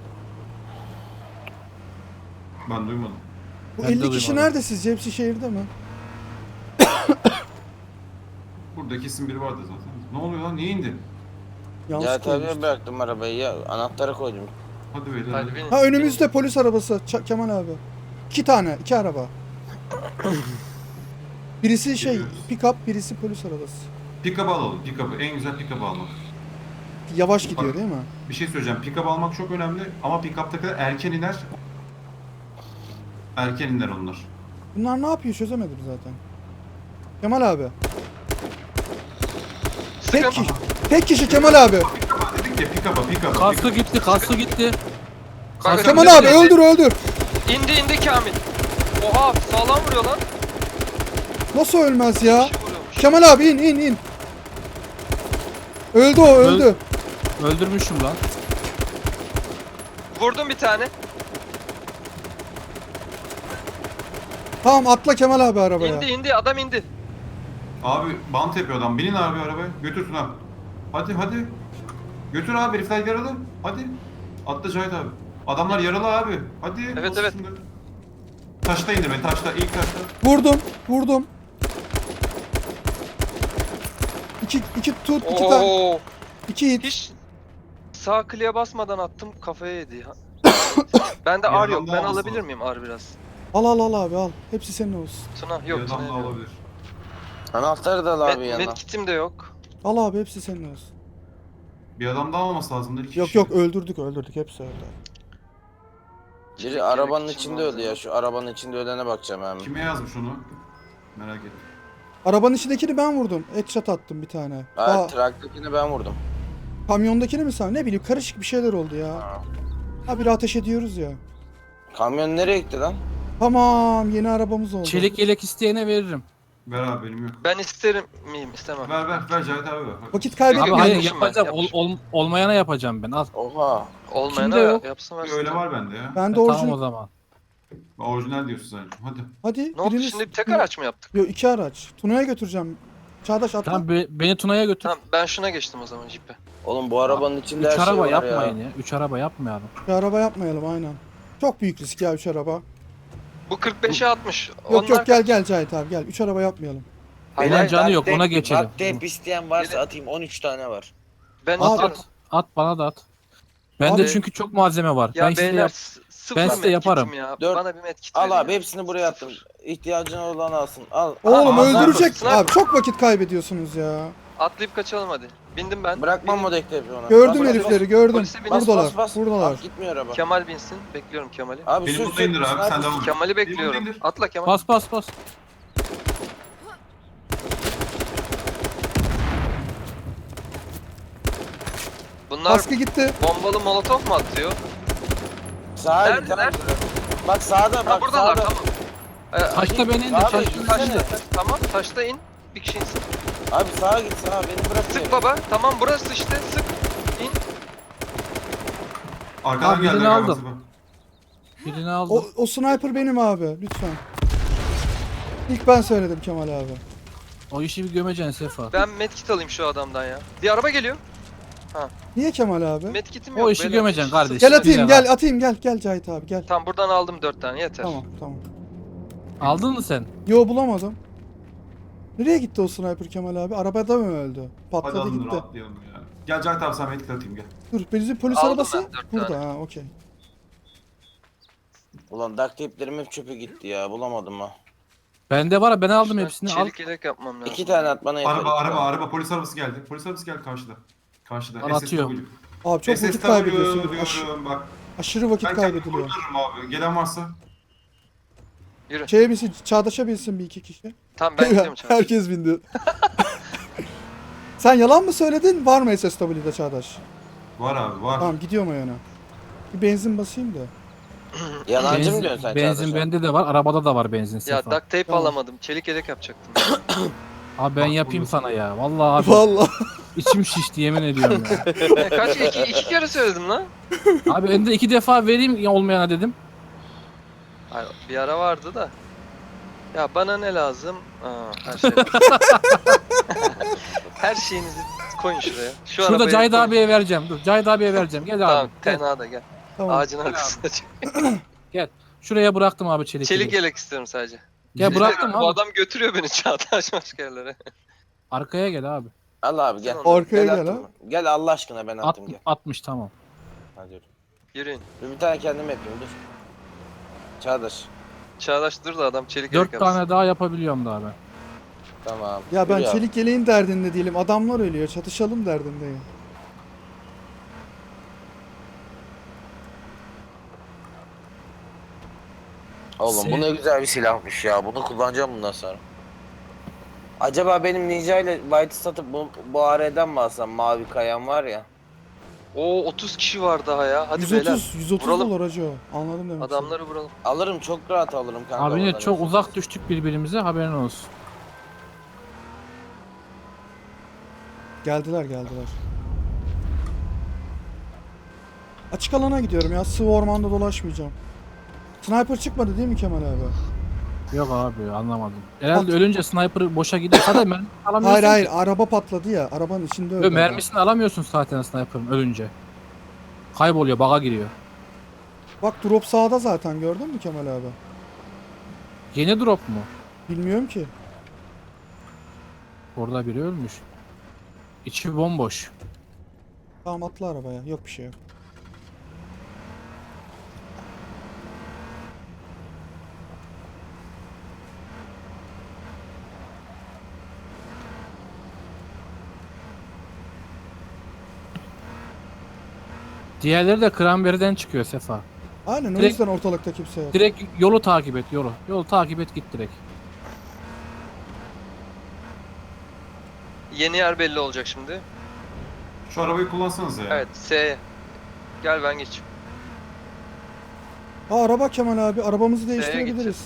Speaker 5: Ben duymadım.
Speaker 3: Bu
Speaker 4: Ben de
Speaker 3: 50 kişi
Speaker 4: duymadım.
Speaker 3: nerede sizce? Hepsi şehirde mi?
Speaker 5: Burada kesin biri vardı zaten. Ne oluyor lan? Niye indin?
Speaker 3: Yanlış
Speaker 1: Cahit abiye
Speaker 3: koymuştum.
Speaker 1: bıraktım arabayı ya. Anahtarı koydum.
Speaker 5: Hadi beyler.
Speaker 2: Hadi
Speaker 5: hadi.
Speaker 2: binin.
Speaker 3: Ha önümüzde polis arabası Kemal abi. 2 tane 2 araba. Birisi şey
Speaker 5: Geliyoruz.
Speaker 3: pick up birisi polis arabası.
Speaker 5: Pick-up alalım. Pick-up'ı. En güzel pick-up almak.
Speaker 3: Yavaş gidiyor değil mi?
Speaker 5: Bir şey söyleyeceğim. Pick-up almak çok önemli ama pick-up'takiler erken iner. Erken iner onlar.
Speaker 3: Bunlar ne yapıyor çözemedim zaten. Kemal abi. Tek
Speaker 2: Sıkın.
Speaker 3: kişi, tek kişi Kemal abi.
Speaker 5: Pick-up'a dedik ya pick-up'a.
Speaker 4: Kaskı gitti, kaskı gitti.
Speaker 2: Kanka,
Speaker 3: Kemal
Speaker 2: sen
Speaker 3: abi
Speaker 2: de-
Speaker 3: öldür.
Speaker 2: İndi Kamil. Oha sağlam vuruyor lan.
Speaker 3: Nasıl ölmez ya?
Speaker 2: Bir şey vuruyormuş.
Speaker 3: Kemal abi in. Öldü o öldü.
Speaker 4: Öldürmüşüm lan.
Speaker 2: Vurdum bir tane.
Speaker 3: Tamam atla Kemal abi arabaya.
Speaker 2: İndi adam indi.
Speaker 5: Abi bant yapıyor adam. Binin abi arabaya. Götürsün abi. Hadi. Götür abi herifler yaralı. Hadi. Atla Cahit abi. Adamlar yaralı abi. Hadi.
Speaker 2: Evet,
Speaker 5: bas
Speaker 2: evet.
Speaker 5: şimdi. Taşta indi beni taşta. İlk taşta.
Speaker 3: Vurdum. İki tut, iki tane.
Speaker 2: Oo.
Speaker 3: İki hit.
Speaker 2: Hiç sağ kliğe basmadan attım kafaya yedi. Bende
Speaker 5: Bir
Speaker 2: ar
Speaker 5: adam
Speaker 2: yok.
Speaker 5: daha
Speaker 2: Ben
Speaker 5: olması
Speaker 2: alabilir
Speaker 5: lazım.
Speaker 2: miyim ar biraz?
Speaker 3: Al abi al. Hepsi senin olsun.
Speaker 2: Tuna
Speaker 5: Bir
Speaker 2: yok.
Speaker 5: adam
Speaker 2: Tuna
Speaker 5: da
Speaker 2: yok.
Speaker 5: olabilir.
Speaker 1: Anahtarı da al abi yanına.
Speaker 2: Medkitim de yok.
Speaker 3: Al abi hepsi senin olsun.
Speaker 5: Bir adam daha olması lazım.
Speaker 3: Yok öldürdük hepsi öldü.
Speaker 1: Biri arabanın
Speaker 2: Gerek
Speaker 1: içinde
Speaker 2: için
Speaker 1: öldü ya. Şu arabanın içinde ölene bakacağım hemen.
Speaker 5: Kime yazmış onu? Merak ettim.
Speaker 3: Arabanın içindekini ben vurdum. Headshot attım bir tane.
Speaker 1: Hayır traktakini ben vurdum.
Speaker 3: Kamyondakini mi sen? Ne bileyim karışık bir şeyler oldu ya.
Speaker 1: Ha.
Speaker 3: Habire ateş ediyoruz ya.
Speaker 1: Kamyon nereye gitti lan?
Speaker 3: Tamam, yeni arabamız oldu.
Speaker 4: Çelik yelek isteyene veririm.
Speaker 5: Ver abi benim yok.
Speaker 2: Ben isterim miyim? İstemem.
Speaker 5: Ver Cahit abi ver.
Speaker 3: Vakit
Speaker 4: Abi
Speaker 3: kaybetmeyelim.
Speaker 4: hayır
Speaker 2: yapmışım ben,
Speaker 4: yapacağım.
Speaker 2: yapmışım.
Speaker 4: Olmayana yapacağım ben. Al.
Speaker 1: Oha.
Speaker 2: Olmayana
Speaker 4: Kimde yok?
Speaker 2: yapsın versin.
Speaker 5: Öyle var bende ya.
Speaker 3: Ben de
Speaker 4: Tamam o
Speaker 3: orijinal.
Speaker 4: zaman.
Speaker 5: Orijinal diyorsun sen. Hadi.
Speaker 3: Hadi
Speaker 2: Ne oldu
Speaker 3: biriniz...
Speaker 2: şimdi, bir tek araç mı yaptık?
Speaker 3: Yok, 2 araç. Tuna'ya götüreceğim. Çağdaş atla.
Speaker 4: Tamam beni Tuna'ya götür.
Speaker 2: Tamam ben şuna geçtim o zaman jipe.
Speaker 1: Oğlum bu arabanın içinde
Speaker 4: 3
Speaker 1: her şey
Speaker 4: araba
Speaker 1: var
Speaker 4: yapmayın
Speaker 1: ya.
Speaker 4: ya. 3 araba yapmayalım.
Speaker 3: Bir araba yapmayalım aynen. Çok büyük risk ya 3 araba.
Speaker 2: Bu 45'e 60.
Speaker 3: Yok yok, gel Cahit abi gel. 3 araba yapmayalım.
Speaker 2: Hayır,
Speaker 4: Ulan
Speaker 2: hayır,
Speaker 4: canı yok,
Speaker 1: duct
Speaker 4: ona
Speaker 1: tape-
Speaker 4: geçelim.
Speaker 1: duct tape isteyen varsa atayım, 13 tane var.
Speaker 2: Ben
Speaker 3: Al,
Speaker 2: istiyorum.
Speaker 4: At bana da at. Bende
Speaker 3: Abi-
Speaker 4: çünkü çok malzeme var.
Speaker 2: Ya
Speaker 4: ben size
Speaker 2: beyler
Speaker 4: yap.
Speaker 2: sıfır
Speaker 4: ben size
Speaker 2: medkitim
Speaker 4: yaparım.
Speaker 2: Ya.
Speaker 1: Dört-
Speaker 2: Bana bir medkit
Speaker 1: Al
Speaker 2: verin
Speaker 1: abi
Speaker 2: ya.
Speaker 1: hepsini buraya attım. İhtiyacın olan alsın. Al.
Speaker 3: Oğlum
Speaker 1: al,
Speaker 3: öldürecek.
Speaker 2: sniper.
Speaker 3: Abi çok vakit kaybediyorsunuz ya.
Speaker 2: Atlayıp kaçalım hadi. Bindim ben.
Speaker 1: Bırakmam
Speaker 2: Benim-
Speaker 1: o dektepi ona.
Speaker 3: Gördüm
Speaker 1: Bas,
Speaker 3: herifleri
Speaker 1: bas,
Speaker 3: gördüm.
Speaker 2: Polise bin-
Speaker 1: Bas,
Speaker 3: Buradalar.
Speaker 1: bas, bas.
Speaker 3: Buradalar.
Speaker 1: Bas, gitmiyor araba.
Speaker 2: Kemal binsin. Bekliyorum Kemal'i.
Speaker 1: Abi
Speaker 5: Benim
Speaker 1: sür
Speaker 5: burada indir abi
Speaker 1: sniper.
Speaker 5: sen devam et.
Speaker 2: Kemal'i
Speaker 5: Benim
Speaker 2: bekliyorum.
Speaker 5: burada indir.
Speaker 2: Atla Kemal.
Speaker 4: Bas.
Speaker 2: Bunlar
Speaker 3: Baskı gitti.
Speaker 2: bombalı molotof mu atıyor?
Speaker 1: Sağa
Speaker 2: Nerede,
Speaker 1: git.
Speaker 2: nerede?
Speaker 1: Bak sağda
Speaker 2: Ha
Speaker 1: bak
Speaker 2: buradalar
Speaker 1: sağda.
Speaker 2: tamam.
Speaker 4: Taşta beni indir.
Speaker 1: Abi,
Speaker 4: Taşta
Speaker 1: insene.
Speaker 4: beni indir.
Speaker 2: Tamam taşta in. Bir kişi insin.
Speaker 1: Abi sağa git sağa beni bırak.
Speaker 2: Sık baba. Tamam burası işte sık. İn.
Speaker 5: Arkadan
Speaker 4: Abi,
Speaker 5: geldi
Speaker 4: birini
Speaker 5: galiba.
Speaker 4: aldım. Birini aldım.
Speaker 3: O sniper benim abi lütfen. İlk ben söyledim Kemal abi.
Speaker 4: O işi bir gömeceksin Sefa.
Speaker 2: Ben medkit alayım şu adamdan ya. Bir araba geliyor.
Speaker 3: Niye Kemal abi?
Speaker 2: Medkitim yok.
Speaker 4: O işi
Speaker 2: beyler.
Speaker 4: gömeceksin kardeşim.
Speaker 3: Gel atayım
Speaker 4: Güzel
Speaker 3: gel atayım gel Cahit abi gel.
Speaker 2: Tamam buradan aldım 4 tane yeter.
Speaker 3: Tamam.
Speaker 4: Aldın mı sen?
Speaker 3: Yo bulamadım. Nereye gitti o sniper Kemal abi? Arabada mı öldü?
Speaker 5: Hadi
Speaker 3: Patladı
Speaker 5: alın
Speaker 3: gitti.
Speaker 5: rahatlayalım ya. Gel Cahit abi sen medkit atayım gel.
Speaker 3: Dur bizim polis
Speaker 2: Aldım
Speaker 3: arabası
Speaker 2: ben dört
Speaker 3: burada
Speaker 2: tane.
Speaker 3: ha okey.
Speaker 1: Ulan duct tape'lerim hep çöpe gitti ya bulamadım ha.
Speaker 4: Bende var ya, ben aldım
Speaker 2: Şuradan
Speaker 4: hepsini. Al.
Speaker 2: Çelik yelek yapmam lazım.
Speaker 1: 2 tane at bana yeter.
Speaker 5: Araba polis arabası geldi. Polis arabası geldi karşıda. Karşıda.
Speaker 4: Al, atıyorum.
Speaker 5: SSW.
Speaker 3: Abi çok vakit
Speaker 5: SSW
Speaker 3: kaybediyorsunuz.
Speaker 5: diyorum bak.
Speaker 3: Aşırı vakit
Speaker 5: Ben kendimi
Speaker 3: kaybediliyor.
Speaker 5: kurtarırım abi. Gelen varsa.
Speaker 2: Yürü.
Speaker 3: Şeye binsin, Çağdaş'a binsin bir iki kişi.
Speaker 2: Tamam ben gidiyorum çabuk.
Speaker 3: Herkes bindi. Sen yalan mı söyledin? Var mı SSW'de Çağdaş?
Speaker 5: Var abi var.
Speaker 3: Tamam gidiyorum o yana. Bir benzin basayım da.
Speaker 1: Yalancı mı diyorsun sen
Speaker 4: Benzin
Speaker 1: Çağdaş'a?
Speaker 4: bende de var. Arabada da var benzin
Speaker 2: Ya
Speaker 4: Sefa.
Speaker 2: duct tape
Speaker 3: Tamam.
Speaker 2: alamadım. Çelik yelek yapacaktım.
Speaker 4: Abi ben
Speaker 5: Bak,
Speaker 4: yapayım
Speaker 5: buradasın.
Speaker 4: sana ya. Vallahi abi
Speaker 3: Vallahi.
Speaker 4: içim şişti yemin ediyorum ya.
Speaker 2: Kaç iki kere söyledim lan.
Speaker 4: Abi önde 2 defa vereyim ya olmayana dedim.
Speaker 2: Hayır, bir ara vardı da. Ya bana ne lazım? Her şey. Her şeyinizi koyun şuraya. Şu
Speaker 4: Şurada
Speaker 2: arabaya
Speaker 4: Cahit
Speaker 2: koyun.
Speaker 4: abiye vereceğim. Dur Cahit abiye vereceğim. Gel
Speaker 2: Tamam
Speaker 4: abi. Gel.
Speaker 2: tenha da gel.
Speaker 3: Tamam.
Speaker 2: Ağacın arkasına çık.
Speaker 4: Şuraya bıraktım abi çelik.
Speaker 2: Çelik
Speaker 4: yeleği.
Speaker 2: yelek istiyorum sadece.
Speaker 4: Gel bıraktım
Speaker 2: Bu
Speaker 4: abi.
Speaker 2: adam götürüyor beni Çağdaş başka yerlere.
Speaker 4: Arkaya gel abi.
Speaker 1: Al abi gel.
Speaker 2: Sen
Speaker 3: Arkaya gel
Speaker 1: attım.
Speaker 3: ha.
Speaker 1: Gel Allah aşkına ben attım gel.
Speaker 4: 60 tamam.
Speaker 1: Hadi yürü.
Speaker 2: Yürüyün.
Speaker 1: Dur bir tane kendim yapayım dur. Çağdaş.
Speaker 2: Çağdaş dur da adam çelik yelek
Speaker 4: 4
Speaker 2: yapsın.
Speaker 4: tane daha yapabiliyorum da abi.
Speaker 1: Tamam.
Speaker 3: Ya ben
Speaker 1: Yürü abi.
Speaker 3: çelik yeleğin derdinde değilim. Adamlar ölüyor. Çatışalım derdindeyim.
Speaker 1: Oğlum bu ne güzel bir silahmış ya. Bunu kullanacağım bundan sonra. Acaba benim Ninja ile White'ı satıp bu AR'den mi alsam? Mavi kayan var ya.
Speaker 2: Oo 30 kişi var daha ya. Hadi beyler.
Speaker 3: 130
Speaker 2: Vuralım.
Speaker 3: dolar hacı o. Anladım demek.
Speaker 2: Adamları vuralım.
Speaker 1: Alırım çok rahat alırım kanka.
Speaker 4: Abi yine
Speaker 1: oradan.
Speaker 4: çok uzak düştük birbirimize haberin olsun.
Speaker 3: Geldiler. Açık alana gidiyorum ya. Sıvı ormanda dolaşmayacağım. Sniper çıkmadı değil mi Kemal abi?
Speaker 4: Yok abi anlamadım. Herhalde
Speaker 3: At.
Speaker 4: ölünce sniper boşa gidiyor. Zaten mermi alamıyorsun.
Speaker 3: Hayır
Speaker 4: ki.
Speaker 3: araba patladı ya. Arabanın içinde öldü.
Speaker 4: Yo, mermisini alamıyorsun zaten sniper'ın ölünce. Kayboluyor, baga giriyor.
Speaker 3: Bak drop sağda zaten gördün mü Kemal abi?
Speaker 4: Yeni drop mu?
Speaker 3: Bilmiyorum ki.
Speaker 4: Orada biri ölmüş. İçi bomboş.
Speaker 3: Tamam atla arabaya. Yok bir şey yok.
Speaker 4: Diğerleri de Cranberry'den çıkıyor Sefa.
Speaker 3: Aynen o
Speaker 4: Direkt-
Speaker 3: yüzden ortalıkta kimse yok.
Speaker 4: Direkt yolu takip et yolu. Yolu takip et git direkt.
Speaker 2: Yeni yer belli olacak şimdi.
Speaker 5: Şu arabayı kullansanız ya.
Speaker 2: Evet S'ye. Gel ben geçeyim.
Speaker 3: Araba Kemal abi. Arabamızı değiştirebiliriz.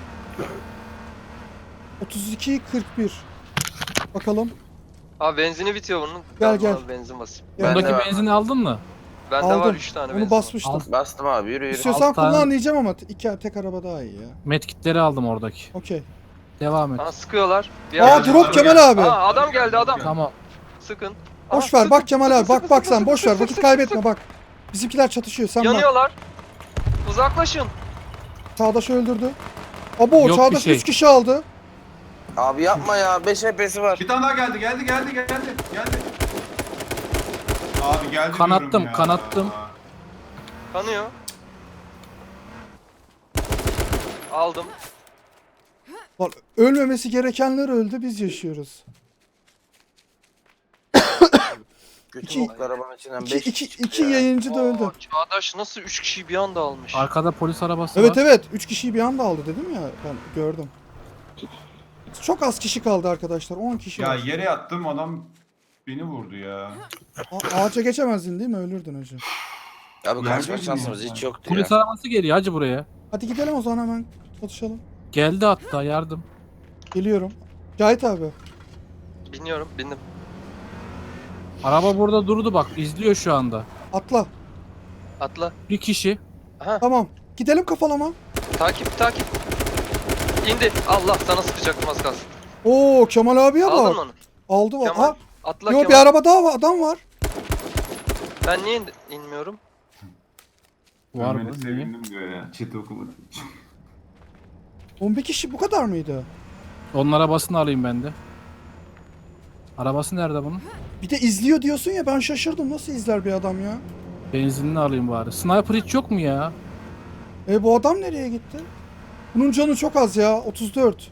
Speaker 3: 32-41. Bakalım.
Speaker 2: Abi benzini bitiyor bunun.
Speaker 3: Gel,
Speaker 2: Ben
Speaker 3: gel.
Speaker 2: buna benzin basayım.
Speaker 3: Gel.
Speaker 1: Ben de
Speaker 4: Bundaki
Speaker 1: var.
Speaker 4: benzini aldın mı?
Speaker 2: Bende var
Speaker 3: Aldım.
Speaker 2: 3 tane
Speaker 3: Onu
Speaker 2: benzin.
Speaker 3: basmıştım.
Speaker 4: Al.
Speaker 1: Bastım abi, yürü yürü.
Speaker 3: İstiyorsan
Speaker 4: Alt tane-
Speaker 3: kullan diyeceğim ama tek araba daha iyi ya.
Speaker 4: Medkitleri aldım oradaki.
Speaker 3: Okey.
Speaker 4: Devam et.
Speaker 2: Aa, sıkıyorlar. Bir
Speaker 3: Aa
Speaker 2: yerde-
Speaker 3: drop Kemal abi.
Speaker 2: Aa, adam geldi adam.
Speaker 4: Tamam.
Speaker 2: Sıkın.
Speaker 3: Boş
Speaker 2: Aa,
Speaker 3: ver bak
Speaker 2: sıkın,
Speaker 3: Kemal
Speaker 2: sıkın,
Speaker 3: abi. Bak
Speaker 2: sıkın,
Speaker 3: bak
Speaker 2: sıkın,
Speaker 3: sen boş
Speaker 2: sıkın,
Speaker 3: ver.
Speaker 2: sıkın,
Speaker 3: Vakit
Speaker 2: sıkın,
Speaker 3: kaybetme
Speaker 2: sıkın.
Speaker 3: bak. Bizimkiler çatışıyor. Sen bak.
Speaker 2: Yanıyorlar. Uzaklaşın.
Speaker 3: Çağdaş öldürdü. Abo
Speaker 4: Yok bir
Speaker 3: Çağdaş
Speaker 4: şey.
Speaker 3: 3 kişi aldı.
Speaker 1: Abi yapma ya, 5 HP'si var.
Speaker 5: Bir tane daha geldi. Abi geldi
Speaker 4: Kanattım,
Speaker 5: diyorum ya.
Speaker 4: kanattım.
Speaker 2: Kanıyor. Aldım.
Speaker 3: Lan ölmemesi gerekenler öldü. Biz yaşıyoruz.
Speaker 1: Kötü
Speaker 3: İki-
Speaker 1: boklar arabanın içinden 5
Speaker 3: İki yayıncı da öldü.
Speaker 2: Oo, Çağdaş nasıl 3 kişiyi bir anda almış?
Speaker 4: Arkada polis arabası
Speaker 3: Evet
Speaker 4: var.
Speaker 3: evet. 3 kişiyi bir anda aldı dedim ya. Ben gördüm. Çok az kişi kaldı arkadaşlar. 10 kişi
Speaker 5: Ya
Speaker 3: var.
Speaker 5: yere yattım, adam beni vurdu ya.
Speaker 3: Ağaca geçemezdin değil mi? Ölürdün hocam.
Speaker 1: Abi kaçma
Speaker 5: Gelmedi mi
Speaker 1: şansımız
Speaker 5: ya?
Speaker 1: hiç yoktu
Speaker 4: Polis
Speaker 1: ya.
Speaker 4: arabası geliyor hacı buraya.
Speaker 3: Hadi gidelim o zaman hemen. Çalışalım.
Speaker 4: Geldi hatta yardım.
Speaker 3: Geliyorum. Cahit abi.
Speaker 2: Biniyorum, bindim.
Speaker 4: Araba burada durdu bak izliyor şu anda.
Speaker 3: Atla.
Speaker 2: Atla.
Speaker 4: Bir kişi.
Speaker 2: Aha,
Speaker 3: Tamam. Gidelim kafalama.
Speaker 2: takip. İndi. Allah, sana sıkacaktım az kalsın.
Speaker 3: Oo Kemal abiye
Speaker 2: Aldın
Speaker 3: bak.
Speaker 2: mı onu?
Speaker 3: Aldı var.
Speaker 2: Kemal.
Speaker 3: Ha,
Speaker 2: Atla
Speaker 3: yo
Speaker 2: Kemal.
Speaker 3: bir araba daha var. Adam var.
Speaker 2: Ben niye inmiyorum?
Speaker 4: Var
Speaker 5: Ölmene
Speaker 4: mı? Niye?
Speaker 5: sevindim diyor ya. Çete okumadım.
Speaker 3: 11 kişi bu kadar mıydı?
Speaker 4: Onun arabasını alayım ben de. Arabası nerede bunun?
Speaker 3: Bir de izliyor diyorsun ya, ben şaşırdım. Nasıl izler bir adam ya?
Speaker 4: Benzinini alayım bari. Sniper hiç yok mu ya?
Speaker 3: Bu adam nereye gitti? Bunun canı çok az ya. 34.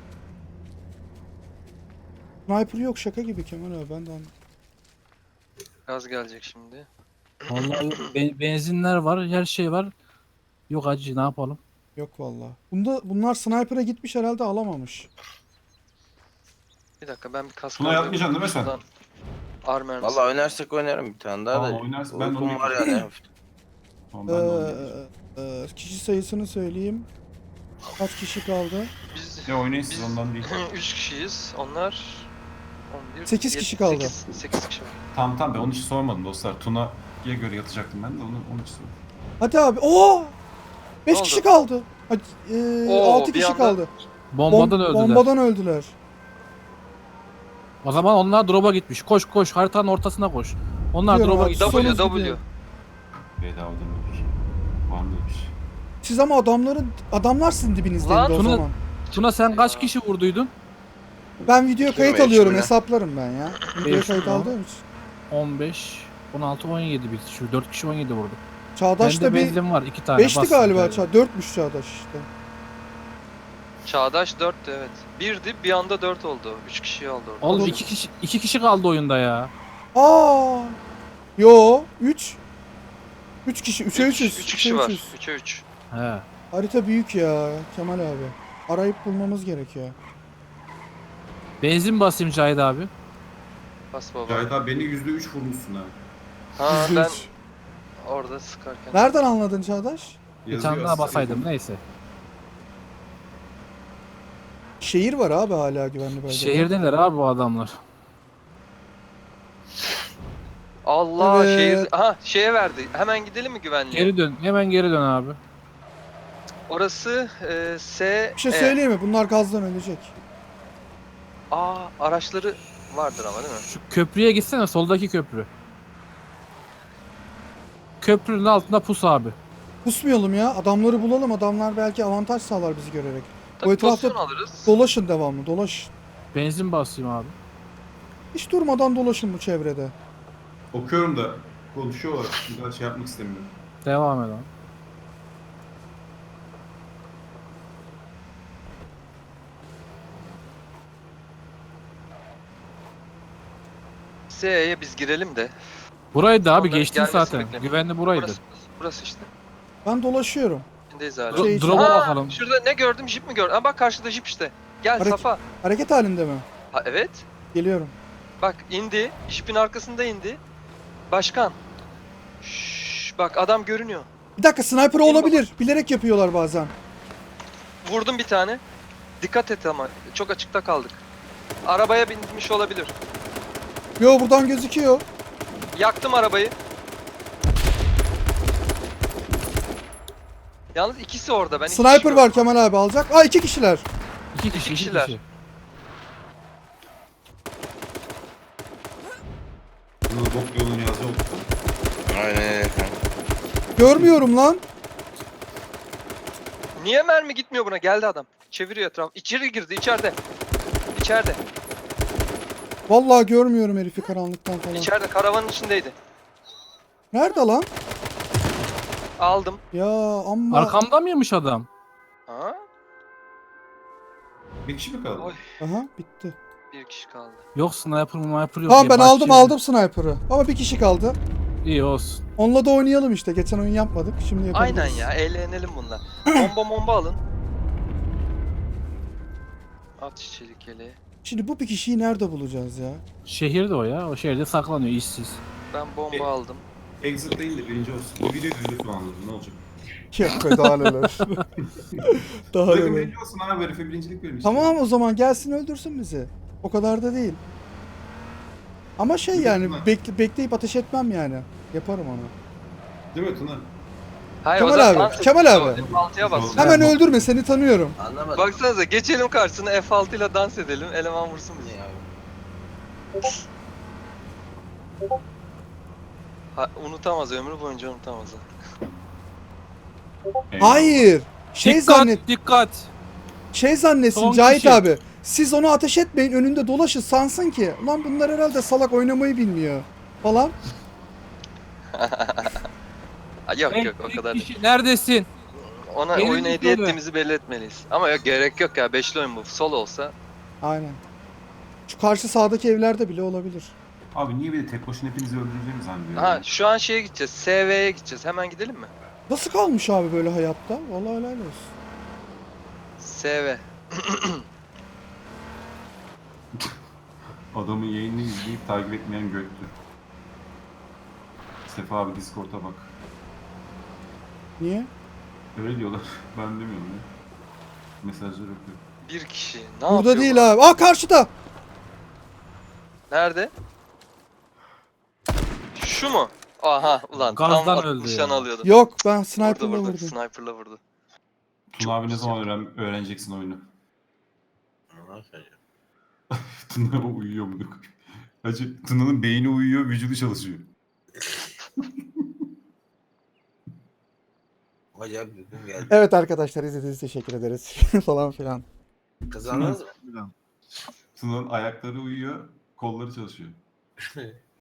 Speaker 3: Sniper yok, şaka gibi Kemal abi, ben de anladım.
Speaker 2: Gaz gelecek şimdi.
Speaker 4: Vallahi benzinler var, her şey var. Yok hacı ne yapalım?
Speaker 3: Yok vallahi. Bunlar sniper'a gitmiş herhalde, alamamış.
Speaker 2: Bir dakika, ben bir kask
Speaker 5: Tuna
Speaker 2: alayım.
Speaker 5: yapmayacaksın değil mi sen?
Speaker 2: Şuradan Ar mermisi.
Speaker 1: Valla oynarsak oynarım bir tane daha
Speaker 5: Tamam,
Speaker 1: da.
Speaker 5: oynarsın. Ben de
Speaker 1: Uykum
Speaker 5: onu
Speaker 1: var yani.
Speaker 5: Tamam, ben de oynayacağım.
Speaker 3: Kişi sayısını söyleyeyim. Kaç kişi kaldı?
Speaker 2: Biz
Speaker 5: Ya oynayın siz, ondan değil.
Speaker 2: 3 kişiyiz. Onlar 11,
Speaker 3: 8 kişi kaldı.
Speaker 2: 8 kişi var.
Speaker 5: Tamam ben onun için sormadım dostlar. Tuna'ya göre yatacaktım ben de onun için sordum.
Speaker 3: Hadi abi. Oo! 5
Speaker 2: Ne
Speaker 3: kişi
Speaker 2: oldu?
Speaker 3: kaldı.
Speaker 2: Oo,
Speaker 3: 6
Speaker 2: bir
Speaker 3: kişi
Speaker 2: anda-
Speaker 3: kaldı.
Speaker 4: Bombadan öldüler.
Speaker 3: Bombadan öldüler.
Speaker 4: O zaman onlar drop'a gitmiş. Koş koş haritanın ortasına koş. Onlar
Speaker 3: Gidiyorum
Speaker 4: drop'a
Speaker 3: abi.
Speaker 4: gitmiş.
Speaker 3: Sonuz
Speaker 2: W.
Speaker 3: gidiyor.
Speaker 5: Bedavadan ölür. Var mı öyle bir şey?
Speaker 3: Siz ama adamlar sizin dibinizdeydi
Speaker 2: Lan
Speaker 3: o
Speaker 4: Tuna-
Speaker 3: zaman.
Speaker 4: Tuna sen kaç kişi vurduydun?
Speaker 3: Ben video kayıt
Speaker 1: 25
Speaker 3: alıyorum,
Speaker 1: mi ne?
Speaker 3: hesaplarım ben ya. Video
Speaker 4: Beş
Speaker 3: kayıt
Speaker 4: mi o?
Speaker 3: aldığım için.
Speaker 4: 15, 16, 17 biz. Şu 4 kişi 17 vurdu.
Speaker 3: Çağdaş
Speaker 4: Bende
Speaker 3: da bir
Speaker 4: benzin var 2 tane.
Speaker 3: 5'ti
Speaker 4: bas.
Speaker 3: galiba. 4'müş Çağdaş işte.
Speaker 2: Çağdaş 4'tü evet. 1'di, bir anda 4 oldu. 3 kişiyi aldı orada.
Speaker 4: Oğlum 2 kişi kaldı oyunda ya.
Speaker 3: Aa! Yo, 3. 3 kişi, 3'e 3'üz.
Speaker 2: 3 kişi var. 3'e 3.
Speaker 4: He.
Speaker 3: Harita büyük ya Kemal abi. Arayıp bulmamız gerekiyor.
Speaker 4: Benzin basayım Cahit abi.
Speaker 2: Bas baba.
Speaker 5: Cahit abi beni %3 vurmuşsun ha.
Speaker 2: Ha
Speaker 3: %3.
Speaker 2: ben orada sıkarken.
Speaker 3: Nereden anladın Çağdaş?
Speaker 4: Bir
Speaker 5: Yazıyor
Speaker 4: tane daha
Speaker 5: aslında.
Speaker 4: basaydım neyse.
Speaker 3: Şehir var abi hala güvenli bölgede.
Speaker 4: Şehirdeler abi bu adamlar.
Speaker 2: Allah
Speaker 3: Evet.
Speaker 2: şehir. Aha şeye verdi. Hemen gidelim mi güvenliğe?
Speaker 4: Geri dön. Hemen geri dön abi.
Speaker 2: Orası S.
Speaker 3: Bir şey söyleyeyim mi? Bunlar gazdan ölecek.
Speaker 2: Araçları vardır ama değil mi?
Speaker 4: Şu köprüye gitsene soldaki köprü. Köprünün altında pus abi.
Speaker 3: Pusmayalım ya. Adamları bulalım. Adamlar belki avantaj sağlar bizi görerek.
Speaker 2: Tabii
Speaker 3: etrafta
Speaker 2: pozisyon alırız.
Speaker 3: Dolaşın devamlı. Dolaşın.
Speaker 4: Benzin basayım abi.
Speaker 3: Hiç durmadan dolaşın bu çevrede.
Speaker 5: Okuyorum da konuşuyorlar. Bir daha şey yapmak istemiyorum.
Speaker 4: Devam edelim.
Speaker 2: S'ye biz girelim de.
Speaker 4: Buraydı abi
Speaker 2: Onların
Speaker 4: geçtin
Speaker 2: gelmesini
Speaker 4: zaten.
Speaker 2: bekleyelim.
Speaker 4: Güvenli buraydı.
Speaker 2: Burası işte.
Speaker 3: Ben dolaşıyorum.
Speaker 2: İçindeyiz hala.
Speaker 3: Şey-
Speaker 4: Drop'a
Speaker 2: Aa,
Speaker 4: bakalım.
Speaker 2: Şurada ne gördüm? Jip mi gördüm? Bak karşıda jip işte. Gel
Speaker 3: Hareket-
Speaker 2: Safa.
Speaker 3: Hareket halinde mi?
Speaker 2: Ha, evet.
Speaker 3: Geliyorum.
Speaker 2: Bak indi. Jipin arkasında indi. Başkan. Şşş, bak adam görünüyor.
Speaker 3: Bir dakika sniper olabilir. Bilerek yapıyorlar bazen.
Speaker 2: Vurdum bir tane. Dikkat et ama çok açıkta kaldık. Arabaya binmiş olabilir.
Speaker 3: Yo buradan gözüküyor.
Speaker 2: Yaktım arabayı. Yalnız ikisi orada. Ben iki
Speaker 3: Sniper
Speaker 2: kişi
Speaker 3: var Kemal abi alacak. Aa 2 kişiler.
Speaker 4: İki
Speaker 2: İki
Speaker 4: kişi, iki
Speaker 2: kişiler.
Speaker 4: kişi.
Speaker 5: Bunu bok yolunu yazıyor.
Speaker 1: Aynen öyle kanka.
Speaker 3: Görmüyorum lan.
Speaker 2: Niye mermi gitmiyor buna? Geldi adam. Çeviriyor etraf. İçeri girdi içeride. İçeride.
Speaker 3: Vallahi görmüyorum herifi karanlıktan falan.
Speaker 2: İçeride karavanın içindeydi.
Speaker 3: Nerede lan?
Speaker 2: Aldım.
Speaker 3: Ya amma.
Speaker 4: Arkamda mıymış adam?
Speaker 2: Ha?
Speaker 5: Bir kişi mi kaldı?
Speaker 2: Oy.
Speaker 3: Aha bitti.
Speaker 2: Bir kişi kaldı.
Speaker 4: Yok sniper yok.
Speaker 3: Tamam ben aldım
Speaker 4: Bahçeli.
Speaker 3: sniper'ı. Ama bir kişi kaldı.
Speaker 4: İyi olsun.
Speaker 3: Onunla da oynayalım işte. Geçen oyun yapmadık. Şimdi yapabiliriz.
Speaker 2: Aynen ya. Eğlenelim bununla. Bomba alın. At çelik yeleği.
Speaker 3: Şimdi bu bir kişiyi nerede bulacağız ya?
Speaker 4: Şehirde o ya. O şehirde saklanıyor işsiz.
Speaker 2: Ben bomba aldım.
Speaker 5: Exit değil de birinci olsun. Bu video yüzde şu anladım. Ne olacak?
Speaker 3: Yok be daha neler. Daha
Speaker 5: Takım
Speaker 3: neler.
Speaker 5: birinci olsun abi. Herife birincilik verin işte.
Speaker 3: Tamam o zaman gelsin öldürsün bizi. O kadar da değil. Ama şey yani bekleyip ateş etmem yani. Yaparım onu.
Speaker 5: Değil mi Tuna?
Speaker 2: Hayır,
Speaker 3: Kemal
Speaker 2: o zaman
Speaker 3: abi,
Speaker 2: dans et.
Speaker 3: Kemal abi.
Speaker 2: F6'ya bas.
Speaker 3: Hemen öldürme seni tanıyorum.
Speaker 1: Anlamadım.
Speaker 2: Baksanıza geçelim karşısına F6 ile dans edelim. Eleman vursun bizi.
Speaker 1: Ya.
Speaker 2: Unutamaz ömrü boyunca unutamaz.
Speaker 3: Hayır.
Speaker 4: Dikkat dikkat.
Speaker 3: Şey zannetsin
Speaker 4: Son
Speaker 3: Cahit
Speaker 4: kişi.
Speaker 3: abi. Siz onu ateş etmeyin önünde dolaşın sansın ki. Lan bunlar herhalde salak oynamayı bilmiyor. Falan.
Speaker 2: Yok o kadar değil.
Speaker 4: Kişi, neredesin?
Speaker 2: Ona
Speaker 4: Benim
Speaker 2: oyunu hediye
Speaker 4: solo.
Speaker 2: ettiğimizi belli etmeliyiz. Ama yok gerek yok ya. Beşli oyun bu. Solo olsa.
Speaker 3: Aynen. Şu karşı sağdaki evlerde bile olabilir.
Speaker 5: Abi niye bir de tek başına hepinizi öldüreceğimi zannediyorum.
Speaker 2: Ha şu an şeye gideceğiz. SV'ye gideceğiz. Hemen gidelim mi?
Speaker 3: Nasıl kalmış abi böyle hayatta? Vallahi helal olsun.
Speaker 2: SV.
Speaker 5: Adamın yayını izleyip takip etmeyen göktü. Sefa abi Discord'a bak.
Speaker 3: Niye?
Speaker 5: Öyle diyorlar. Ben demiyorum ya. Mesajlar okuyor.
Speaker 2: Bir kişi. Ne
Speaker 3: Burada
Speaker 2: yapıyor bu?
Speaker 3: değil abi. Aa karşıda.
Speaker 2: Nerede? Şu mu? Aha ulan
Speaker 4: Gazdan
Speaker 2: tam
Speaker 4: öldü
Speaker 2: nişan
Speaker 4: ya.
Speaker 2: alıyordum.
Speaker 3: Yok ben
Speaker 2: Vurdu
Speaker 3: sniper'la
Speaker 2: vurdu.
Speaker 3: vurdum.
Speaker 2: Sniper'la vurdu.
Speaker 5: Tuna abi ne zaman öğreneceksin oyunu? Tuna uyuyor mu? Hacı Tuna'nın beyni uyuyor, vücudu çalışıyor.
Speaker 1: Acayip bir gün geldi.
Speaker 3: Evet arkadaşlar izlediğiniz için teşekkür ederiz. falan filan.
Speaker 1: Kazandınız mı?
Speaker 5: Tuna'nın ayakları uyuyor, kolları çalışıyor.